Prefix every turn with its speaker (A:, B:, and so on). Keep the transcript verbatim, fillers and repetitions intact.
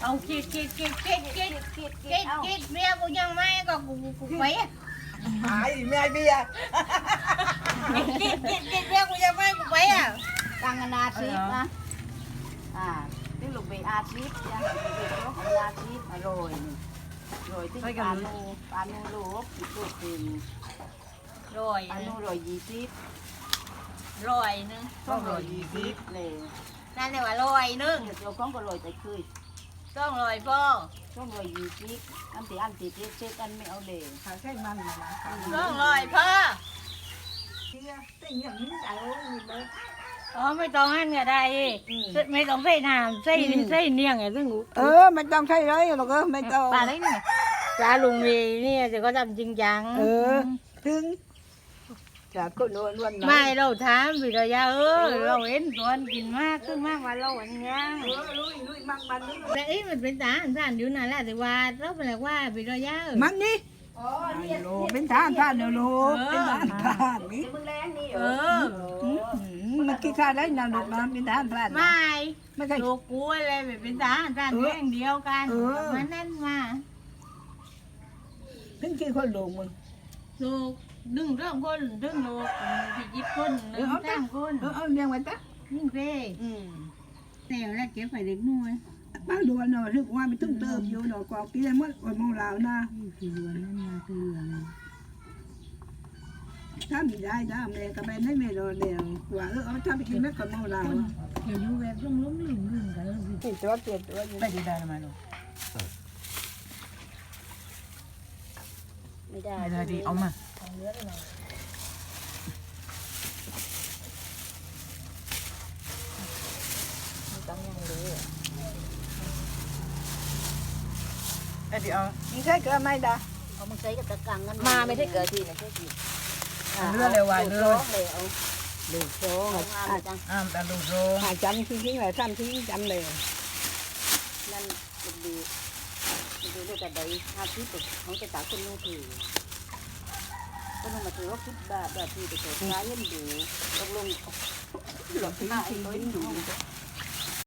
A: เอาคิดคิดคิดคิดคิดคิดคิดคิดเมียกูยังไม่ก็กูกูไป
B: หายเมียเบียร์
A: คิดคิดคิดเมียกูยังไม่กูไปอ่ะ
C: ตั้งกันอาชีพนะอ่าที่ลูกเบยอาชีพยังลูกเบยลูกอาชีพอร่อยอร่อยที่ปลาโนปลาโนลูกที่พูดเป็น
A: รอย
C: ปลาโนร่อยยี่สิบ
A: รอยนึง
B: ต้องรอยี่สิบ
C: เลย
A: นั่นเรียกว่ารอยนึง
C: เดี๋ยวข้องก็ร่อยแต่คืน
A: ต้องรอยพ่อ
C: ช่วงร่อยยี่สิบอันที่อันที่เจ๊เจ๊กันไม่เอาเลย
B: หาใช่มันนะ
A: ต้องรอยพ่อ
B: เตี้ยเตี้ยอย่างนี้เอาเลย
A: อ๋อไม่ต้องหั่นก็ได้ไม่ต้องใส่น้ำใส่ใส่เนียงไงซึ่ง
B: เออไม่ต้องใช่เลยหรอกเออไม่ต้อง
A: ปลาได้ไงปลาลุงมีเนี่ยจะก็ทำจริงจัง
B: เออถึงจากคนนวลนวล
A: ไม่เราถามวิทยาเออเราเห็นตัวกินมากขึ้นมากว่าเราอันนี้
B: เออลุยลุยมันมันลุย
A: แต่อีมันเป็นทหารท่านอยู่นั่นแหละแต่ว่าเราเป็นอะไรว่าวิทยา
B: มันนี่โลเป็นทานทานเนโลเป็นทานทานนี่
C: มึงแรงนี่
A: เออ
B: มันกินข้าวได้นานลูกน้ำเป็นทานทาน
A: ไม่
B: ไม่ใช่
A: ลูกกูอะไรเป็นทหารท่านแย่งเดียวกันมันนั่นมา
B: ถึงกี่คนลูกมึง
A: ลูกดึงเรื่องคนดึงลูกที่ยิบคนหนึ่งสามคน
B: เออเอาเลี้ยงไว้จ้ะ
A: ยิ่งเร่
B: อืม
A: แต่แล้วเก็บไปเด็กน้อย
B: บ้านดวนเนาะถึงว่าไม่ต้องเติมอยู่เนาะกอกกินได้หมดวันมองลาวนะ
A: คือเรือนนั่นมาคือเรือน
B: ถ้ามีได้ได้แม่ก็ไปให้แม่รอเดียวว่าเออเอาถ้าไปกินแม่ก็มองลาว
A: เห็นอยู่แบบล้มล้มลืมลืมกันแล้ว
B: ติดตัวติดตัวไม่ได้ได้มาลูก
C: ไม่ได้
B: ไม่ได้ดีเอามาเดี๋ยวนี่ใช่เกลือไหมดา
C: เอามึงใช้กับตะกังกันมาไม่ได้เกิดทีนะใช่ที
B: เลือดเลยว่ะเลือด
C: เลยเอาดูโซ่งามจัง
B: อ้ามแต่ลูกโซ่หาจำทิ้งๆเลยซ้ำทิ้งจำเลย
C: นั่นดูดูดูดูแต่ใดอาชีพของจะตาคนนู้นถือก็ต้องมาถือว่าคิดแบบแบบที่จะเกิดร้ายยันดูลงลงหลอกหน้าไอ้ตัวนี้ดู